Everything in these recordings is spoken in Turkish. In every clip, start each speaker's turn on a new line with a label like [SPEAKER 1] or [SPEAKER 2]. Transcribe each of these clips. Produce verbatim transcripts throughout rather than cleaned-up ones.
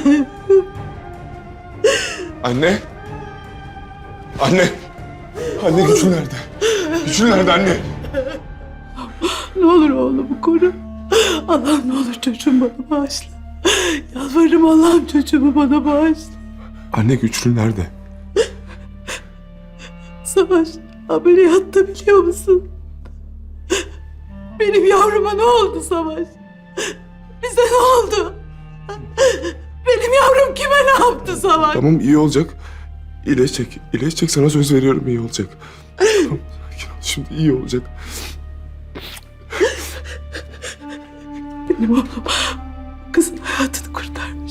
[SPEAKER 1] Anne. Anne. Anne gücün nerede? Gücün nerede anne?
[SPEAKER 2] Ne olur oğlumu koru. Allah'ım ne olur çocuğumu bana bağışla. Yalvarırım Allah'ım çocuğumu bana bağışla.
[SPEAKER 1] Anne güçlü nerede?
[SPEAKER 2] Savaş ameliyatta biliyor musun? Benim yavruma ne oldu Savaş? Bize ne oldu? Benim yavrum kime ne yaptı Savaş?
[SPEAKER 1] Tamam iyi olacak. İyileşecek. İyileşecek, sana söz veriyorum, iyi olacak. Tamam, sakin ol. Şimdi iyi olacak.
[SPEAKER 2] Benim oğlum kızın hayatını kurtarmış.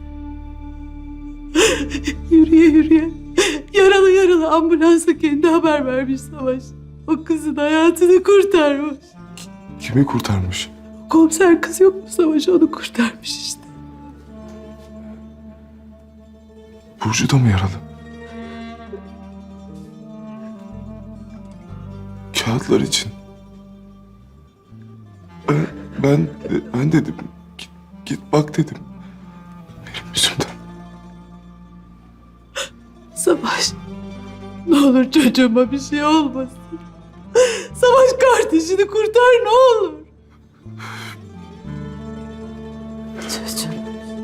[SPEAKER 2] Yürüye yürüye yaralı yaralı ambulansa kendi haber vermiş Savaş. O kızın hayatını kurtarmış.
[SPEAKER 1] Kimi kurtarmış?
[SPEAKER 2] Komiser kız yok mu Savaş, onu kurtarmış işte.
[SPEAKER 1] Burcu da mı yaralı? Kağıtlar için. Ben, ben, ben dedim. Git, git bak dedim. Benim yüzümden.
[SPEAKER 2] Savaş ne olur çocuğuma bir şey olmasın. Savaş kardeşini kurtar ne olur. Çocuğum.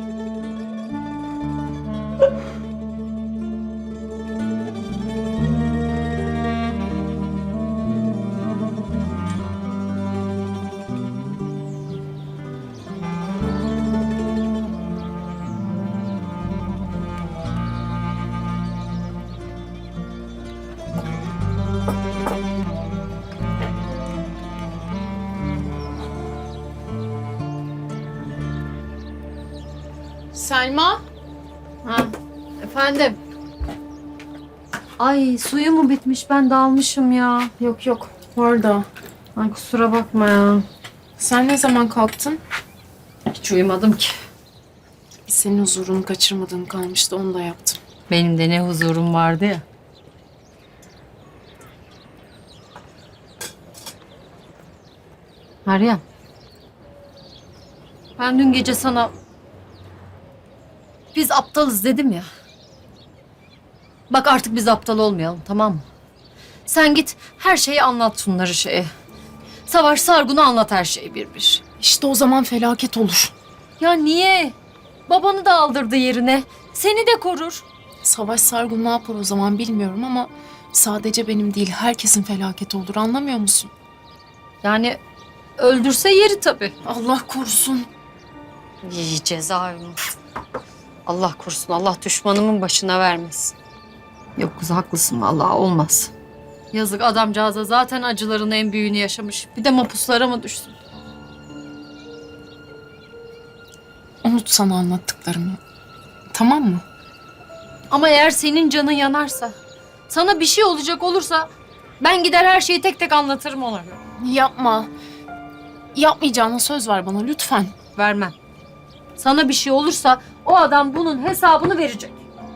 [SPEAKER 3] Selma? Ha, efendim?
[SPEAKER 4] Ay suyu mu bitmiş? Ben dalmışım ya.
[SPEAKER 3] Yok yok, orada.
[SPEAKER 4] Ay kusura bakma ya.
[SPEAKER 3] Sen ne zaman kalktın?
[SPEAKER 4] Hiç uyumadım ki.
[SPEAKER 3] Senin huzurunu kaçırmadığım kalmıştı, onu da yaptım.
[SPEAKER 4] Benim de ne huzurum vardı ya. Meryem. Ben dün gece sana biz aptalız dedim ya. Bak artık biz aptal olmayalım, tamam mı? Sen git her şeyi anlat şunları şeye. Savaş Sargun'u anlat her şeyi bir bir.
[SPEAKER 3] İşte o zaman felaket olur.
[SPEAKER 4] Ya niye? Babanı da aldırdı yerine. Seni de korur.
[SPEAKER 3] Savaş Sargun ne yapar o zaman bilmiyorum ama sadece benim değil, herkesin felaketi olur, anlamıyor musun?
[SPEAKER 4] Yani öldürse yeri tabii.
[SPEAKER 3] Allah korusun.
[SPEAKER 4] İyi cezaevine. Allah korusun. Allah düşmanımın başına vermesin. Yok kız haklısın vallahi olmaz. Yazık adamcağıza zaten acıların en büyüğünü yaşamış. Bir de mapuslara mı düşsün?
[SPEAKER 3] Unut sana anlattıklarımı. Tamam mı?
[SPEAKER 4] Ama eğer senin canın yanarsa, sana bir şey olacak olursa ben gider her şeyi tek tek anlatırım ona.
[SPEAKER 3] Yapma. Yapmayacağına söz ver bana lütfen.
[SPEAKER 4] Vermem. Sana bir şey olursa o adam bunun hesabını verecek.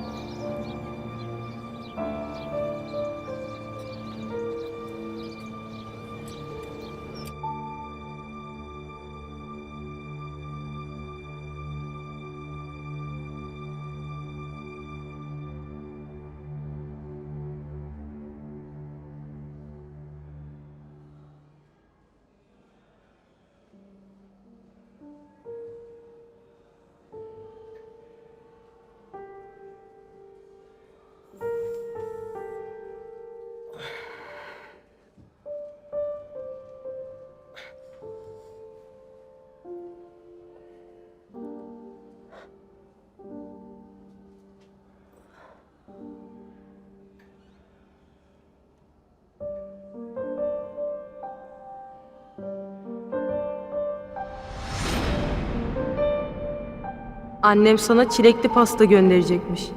[SPEAKER 5] Annem sana çilekli pasta gönderecekmiş.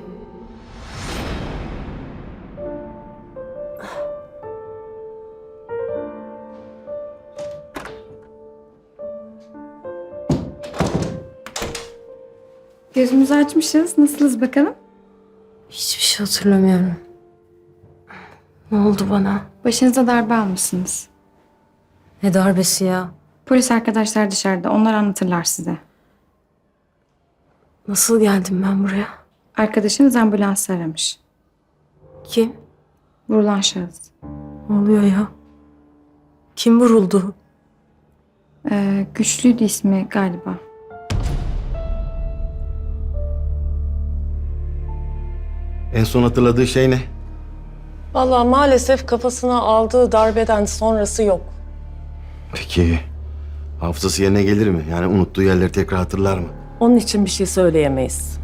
[SPEAKER 6] Gözümüzü açmışız. Nasılız bakalım?
[SPEAKER 5] Hiçbir şey hatırlamıyorum. Ne oldu bana?
[SPEAKER 6] Başınıza darbe almışsınız.
[SPEAKER 5] Ne darbesi ya?
[SPEAKER 6] Polis arkadaşlar dışarıda. Onlar anlatırlar size.
[SPEAKER 5] Nasıl geldim ben buraya?
[SPEAKER 6] Arkadaşınız ambulans aramış.
[SPEAKER 5] Kim?
[SPEAKER 6] Vurulan şahıs.
[SPEAKER 5] Ne oluyor ya? Kim vuruldu?
[SPEAKER 6] Ee, güçlüydü ismi galiba.
[SPEAKER 7] En son hatırladığı şey ne?
[SPEAKER 8] Vallahi maalesef kafasına aldığı darbeden sonrası yok.
[SPEAKER 7] Peki hafızası yerine gelir mi? Yani unuttuğu yerleri tekrar hatırlar mı?
[SPEAKER 8] Onun için bir şey söyleyemeyiz.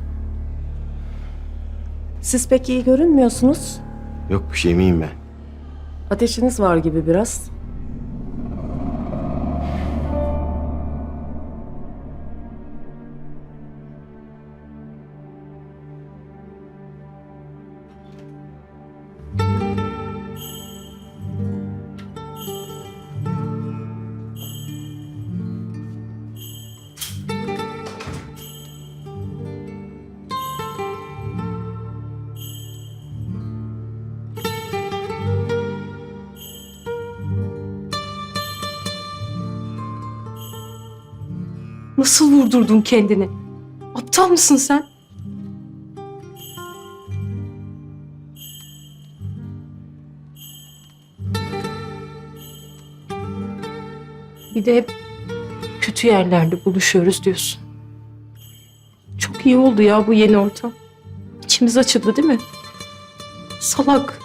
[SPEAKER 8] Siz pek iyi görünmüyorsunuz.
[SPEAKER 7] Yok bir şey miyim ben?
[SPEAKER 8] Ateşiniz var gibi biraz.
[SPEAKER 5] Nasıl vurdurdun kendini? Aptal mısın sen? Bir de hep kötü yerlerde buluşuyoruz diyorsun. Çok iyi oldu ya bu yeni ortam. İçimiz açıldı değil mi? Salak.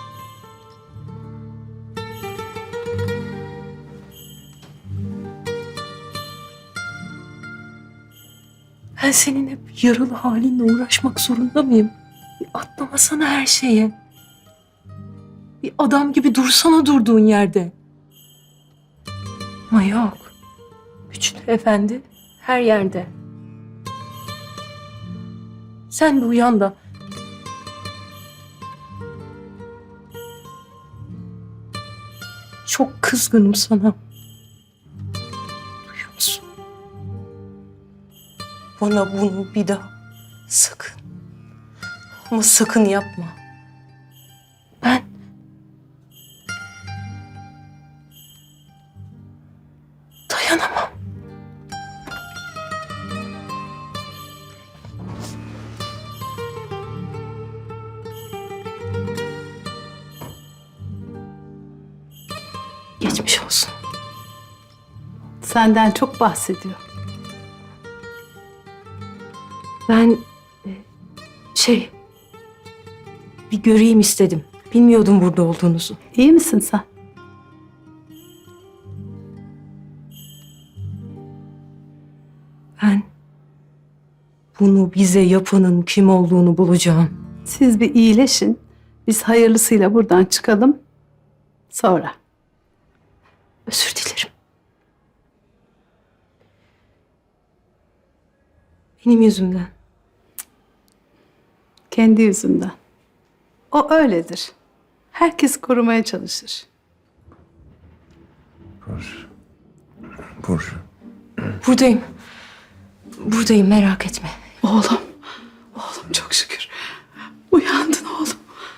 [SPEAKER 5] Ben senin hep yaralı halinle uğraşmak zorunda mıyım? Bir atlamasana her şeye. Bir adam gibi dursana durduğun yerde. Ama yok. Güçlü efendi her yerde. Sen bir uyan da. Çok kızgınım sana. Duyuyor musun? Bana bunu bir daha sakın ama sakın yapma. Ben dayanamam. Geçmiş olsun.
[SPEAKER 2] Senden çok bahsediyor.
[SPEAKER 5] Ben e, şey bir göreyim istedim. Bilmiyordum burada olduğunuzu.
[SPEAKER 2] İyi misin sen?
[SPEAKER 5] Ben bunu bize yapanın kim olduğunu bulacağım.
[SPEAKER 2] Siz bir iyileşin. Biz hayırlısıyla buradan çıkalım. Sonra.
[SPEAKER 5] Özür dilerim. Benim yüzümden.
[SPEAKER 2] Kendi yüzünden. O öyledir. Herkes korumaya çalışır.
[SPEAKER 1] Burcu. Burcu.
[SPEAKER 5] Buradayım. Buradayım, merak etme.
[SPEAKER 2] Oğlum. Oğlum çok şükür. Uyandın oğlum.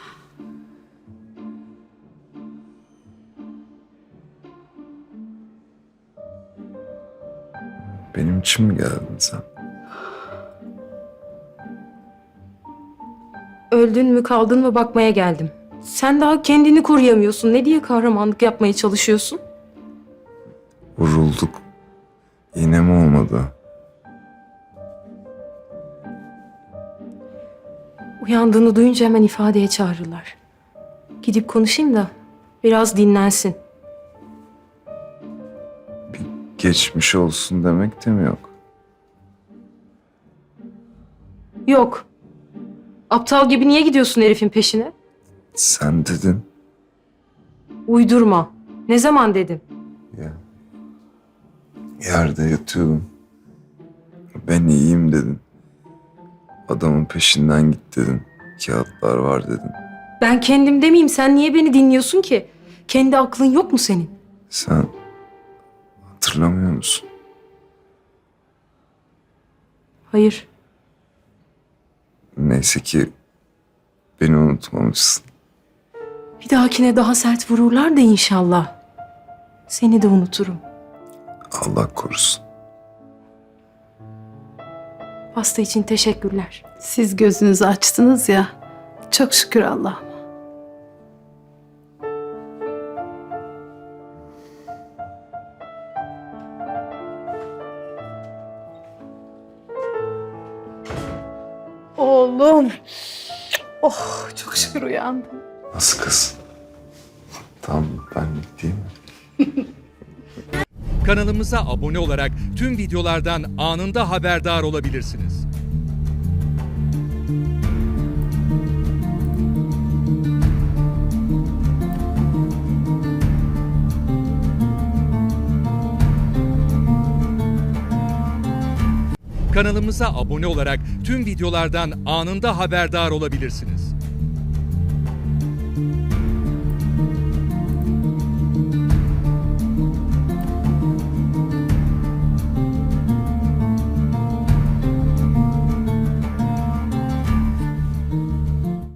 [SPEAKER 1] Benim için mi geldin sen?
[SPEAKER 5] Öldün mü kaldın mı bakmaya geldim. Sen daha kendini koruyamıyorsun. Ne diye kahramanlık yapmaya çalışıyorsun?
[SPEAKER 1] Vurulduk. Yine mi olmadı?
[SPEAKER 5] Uyandığını duyunca hemen ifadeye çağırırlar. Gidip konuşayım da biraz dinlensin.
[SPEAKER 1] Geçmiş olsun demek de mi yok?
[SPEAKER 5] Yok. Aptal gibi niye gidiyorsun herifin peşine?
[SPEAKER 1] Sen dedin.
[SPEAKER 5] Uydurma. Ne zaman dedim?
[SPEAKER 1] Ya. Yerde yatıyordum. Ben iyiyim dedin. Adamın peşinden git dedin. Kağıtlar var dedin.
[SPEAKER 5] Ben kendim demeyeyim. Sen niye beni dinliyorsun ki? Kendi aklın yok mu senin?
[SPEAKER 1] Sen hatırlamıyor musun?
[SPEAKER 5] Hayır.
[SPEAKER 1] Neyse ki beni unutmamışsın.
[SPEAKER 5] Bir dahakine daha sert vururlar da inşallah. Seni de unuturum.
[SPEAKER 1] Allah korusun.
[SPEAKER 5] Pasta için teşekkürler.
[SPEAKER 2] Siz gözünüzü açtınız ya. Çok şükür Allah'ıma. Oğlum. Oh, çok şükür uyandım.
[SPEAKER 1] Nasıl kız? Tam benlik değil mi?
[SPEAKER 9] Kanalımıza abone olarak tüm videolardan anında haberdar olabilirsiniz. Kanalımıza abone olarak tüm videolardan anında haberdar olabilirsiniz.